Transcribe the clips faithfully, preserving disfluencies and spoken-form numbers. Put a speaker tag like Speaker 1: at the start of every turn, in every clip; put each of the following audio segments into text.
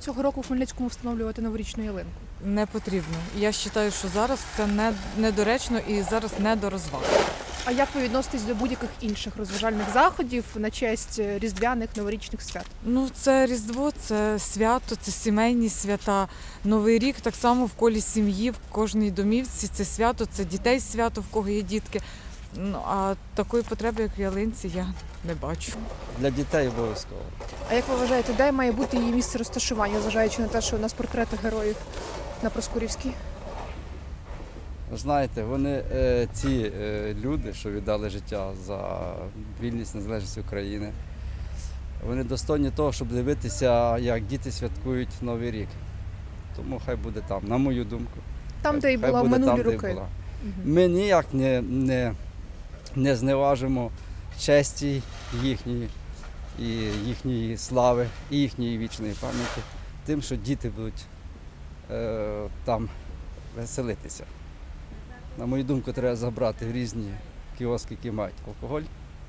Speaker 1: цього року в Хмельницькому встановлювати новорічну ялинку?
Speaker 2: Не потрібно. Я вважаю, що зараз це не, недоречно і зараз не до розваг.
Speaker 1: А як ви відноситесь до будь-яких інших розважальних заходів на честь різдвяних новорічних свят?
Speaker 2: Ну, це Різдво, це свято, це сімейні свята. Новий рік так само в колі сім'ї, в кожній домівці це свято, це дітей свято, в кого є дітки. Ну, а такої потреби, як в ялинці, я не бачу.
Speaker 3: Для дітей обов'язково.
Speaker 1: А як ви вважаєте, де має бути її місце розташування, зважаючи на те, що у нас портрети героїв на Проскурівській?
Speaker 3: Знаєте, вони е, ці е, люди, що віддали життя за вільність, незалежність України, вони достойні того, щоб дивитися, як діти святкують Новий рік. Тому хай буде там, на мою думку.
Speaker 1: Там, де і
Speaker 3: Хай
Speaker 1: була в
Speaker 3: буде
Speaker 1: минулі
Speaker 3: там, де й
Speaker 1: роки.
Speaker 3: була.
Speaker 1: Мгм.
Speaker 3: Ми ніяк не, не, не зневажимо честі їхньої, і їхньої слави, і їхньої вічної пам'яті тим, що діти будуть е, там веселитися. На мою думку, треба забрати в різні кіоски, які мають алкоголь,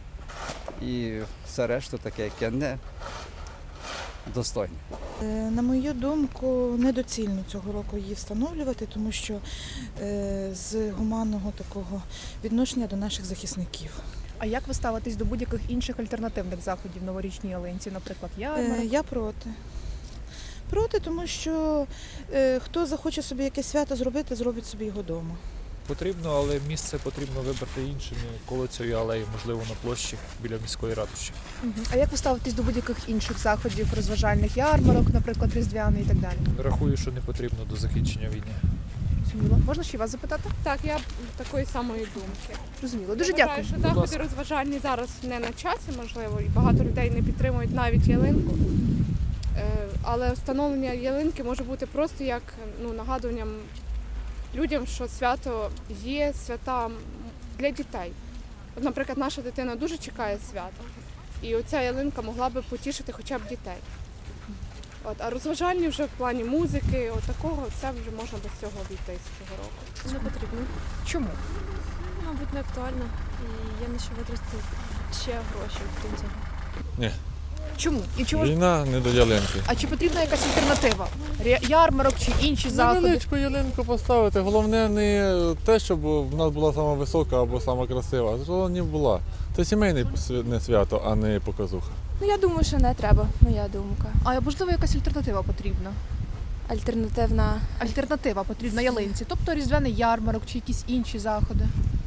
Speaker 3: і все решту таке, яке не достойне.
Speaker 4: Е, На мою думку, недоцільно цього року її встановлювати, тому що е, з гуманного такого відношення до наших захисників.
Speaker 1: А як ви ставитесь до будь-яких інших альтернативних заходів новорічній ялинці, наприклад,
Speaker 4: Е,
Speaker 1: ярмарок?
Speaker 4: Я проти. Проти, тому що е, хто захоче собі якесь свято зробити, зробить собі його вдома.
Speaker 5: Потрібно, але місце потрібно вибрати іншим, коло цієї алеї, можливо, на площі біля міської ратуші.
Speaker 1: Мгм. А як ви ставитесь до будь-яких інших заходів, розважальних ярмарок, наприклад, різдвяний і так далі?
Speaker 5: Рахую, що не потрібно до закінчення війни.
Speaker 1: Зрозуміло. Можна ще вас запитати?
Speaker 6: Так, я такої самої думки.
Speaker 1: Зрозуміло. Дуже
Speaker 6: Я
Speaker 1: дякую.
Speaker 6: вважаю, що
Speaker 5: Будь
Speaker 6: заходи
Speaker 5: ласка.
Speaker 6: розважальні зараз не на часі, можливо, і багато людей не підтримують навіть ялинку. Е, Але встановлення ялинки може бути просто як ну, нагадуванням людям, що свято є свята для дітей. От, наприклад, наша дитина дуже чекає свята, і оця ялинка могла би потішити хоча б дітей. От, а розважальні вже в плані музики, от такого, це вже можна без цього обійтись цього року.
Speaker 7: Не потрібно.
Speaker 1: Чому?
Speaker 7: Мабуть, не актуально. І є на що витратити ще гроші, крім цього.
Speaker 8: Ні.
Speaker 1: Чому? І чому ж-
Speaker 8: Війна не до ялинки.
Speaker 1: А чи потрібна якась альтернатива? Ря- Ярмарок чи інші заходи?
Speaker 8: Невеличку ялинку поставити. Головне не те, щоб в нас була сама висока або сама красива, а головне була. Це сімейне свя- не свято, а не показуха.
Speaker 7: Ну, я думаю, що не треба, моя думка.
Speaker 1: А можливо, якась альтернатива потрібна?
Speaker 7: Альтернативна.
Speaker 1: Альтернатива потрібна ялинці, тобто різдвяний ярмарок чи якісь інші заходи.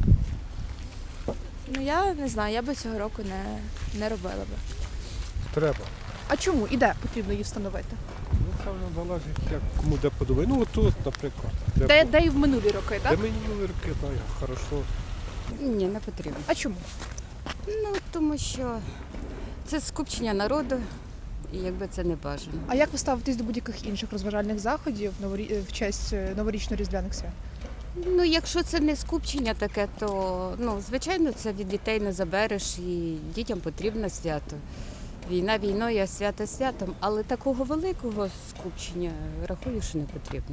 Speaker 7: Ну, я не знаю, я би цього року не, не робила би.
Speaker 9: Треба.
Speaker 1: А чому і де потрібно її встановити?
Speaker 9: Ну, певно, залежить, як кому де подобає. Ну, тут, наприклад. Де,
Speaker 1: Де, де і в минулі роки,
Speaker 9: де
Speaker 1: так?
Speaker 9: мені роки, так, хорошо.
Speaker 10: Ні, не потрібно.
Speaker 1: А чому?
Speaker 10: Ну, тому що це скупчення народу, і якби це не бажано.
Speaker 1: А як ви ставитесь до будь-яких інших розважальних заходів новорі- в честь е, новорічно-різдвяних свят?
Speaker 10: Ну, якщо це не скупчення таке, то, ну, звичайно, це від дітей не забереш, і дітям потрібно свято. Війна війною, а свято святом, але такого великого скупчення рахую, що не потрібно.